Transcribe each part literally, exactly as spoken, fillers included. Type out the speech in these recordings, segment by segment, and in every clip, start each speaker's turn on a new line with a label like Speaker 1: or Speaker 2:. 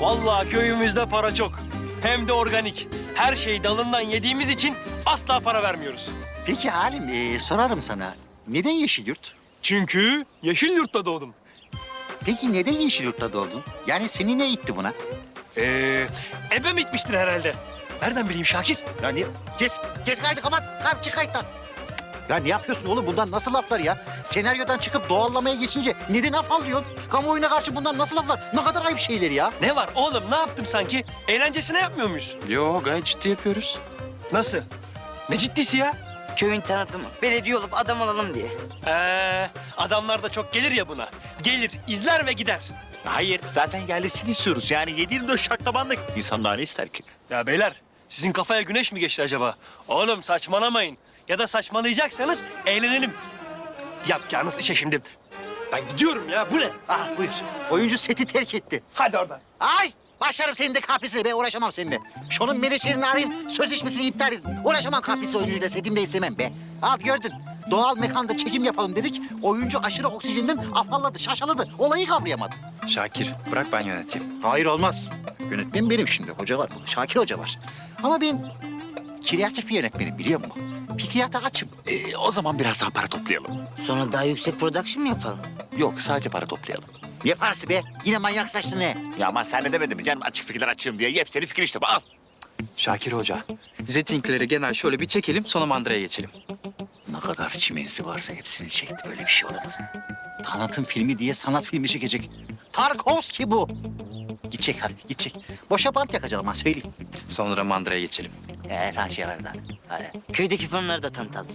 Speaker 1: Vallahi köyümüzde para çok. Hem de organik. Her şeyi dalından yediğimiz için asla para vermiyoruz.
Speaker 2: Peki Halim, ee, sorarım sana. Neden Yeşilyurt?
Speaker 1: Çünkü Yeşilyurt'ta doğdum.
Speaker 2: Peki neden Yeşilyurt'ta doğdun? Yani seni ne itti buna?
Speaker 1: Ee, ebem itmiştir herhalde. Nereden bileyim Şakir?
Speaker 2: Yani kes, kes kaydı kapat. Kalk çık kayıttan. Ya ne yapıyorsun oğlum? Bundan nasıl laflar ya? Senaryodan çıkıp doğallamaya geçince neden afallıyorsun? Kamuoyuna karşı bundan nasıl laflar? Ne kadar ayıp şeyler ya.
Speaker 1: Ne var oğlum, ne yaptım sanki? Eğlencesine yapmıyor muyuz?
Speaker 3: Yo, gayet ciddi yapıyoruz.
Speaker 1: Nasıl? Ne ciddisi ya?
Speaker 4: Köyün tanıtımı. Belediye olup adam olalım diye.
Speaker 1: Ee, adamlar da çok gelir ya buna. Gelir, izler ve gider.
Speaker 5: Hayır, zaten yerlisini istiyoruz. Yani yedi yirmi dört şaklabanlık. İnsan daha ne ister ki?
Speaker 1: Ya beyler, sizin kafaya güneş mi geçti acaba? Oğlum saçmalamayın. Ya da saçmalayacaksanız eğlenelim. Yapacağınız işe şimdi. Ben gidiyorum ya, bu ne?
Speaker 2: Ah buyur. Oyuncu seti terk etti.
Speaker 1: Hadi oradan.
Speaker 2: Ay! Başlarım senin de kahpesine. Ben uğraşamam seninle. Şunun menajerini arayayım. Sözleşmesini iptal edin. Uğraşamam kahpesi oyuncuyla. Setimde istemem be. Al gördün. Doğal mekanda çekim yapalım dedik. Oyuncu aşırı oksijenden afalladı, şaşaladı. Olayı kavrayamadı.
Speaker 3: Şakir, bırak ben yöneteyim.
Speaker 2: Hayır olmaz. Yönetmen benim şimdi. Hoca var burada. Şakir Hoca var. Ama ben kreatif bir yönetmenim biliyor musun? Fikriyata açım.
Speaker 5: Ee, o zaman biraz daha para toplayalım.
Speaker 4: Sonra daha yüksek production mı yapalım?
Speaker 5: Yok, sadece para toplayalım.
Speaker 2: Ne parası be? Yine manyak saçlı ne?
Speaker 5: Ya ama sen ne demedin mi canım açık fikirler açığım diye? Yepyeni fikir işte bu, al.
Speaker 3: Şakir Hoca, Zetingleri genel şöyle bir çekelim, sonra mandıraya geçelim.
Speaker 2: Ne kadar çimensi varsa hepsini çekti. Böyle bir şey olamaz. Tanıtım filmi diye sanat filmi çekecek. Tarkovski bu. Git çek hadi, git çek. Boşa bant yakacağım ha söyleyeyim.
Speaker 3: Sonra mandıraya geçelim.
Speaker 2: Ee, falan şey var da. Hadi.
Speaker 4: Köydeki fırınları da tanıtalım.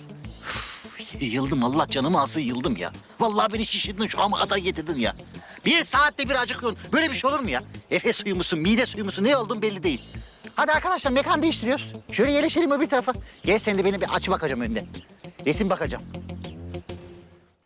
Speaker 2: Yıldım Allah canımı alsın yıldım ya. Vallahi beni şişirdin şu an kadar getirdin ya. Bir saatte bir acıkıyorsun. Böyle bir şey olur mu ya? Efe suyu musun, mide suyu musun ne olduğun belli değil. Hadi arkadaşlar mekan değiştiriyoruz. Şöyle yerleşelim öbür tarafa. Gel sen de beni bir aç bakacağım önden. Resim bakacağım.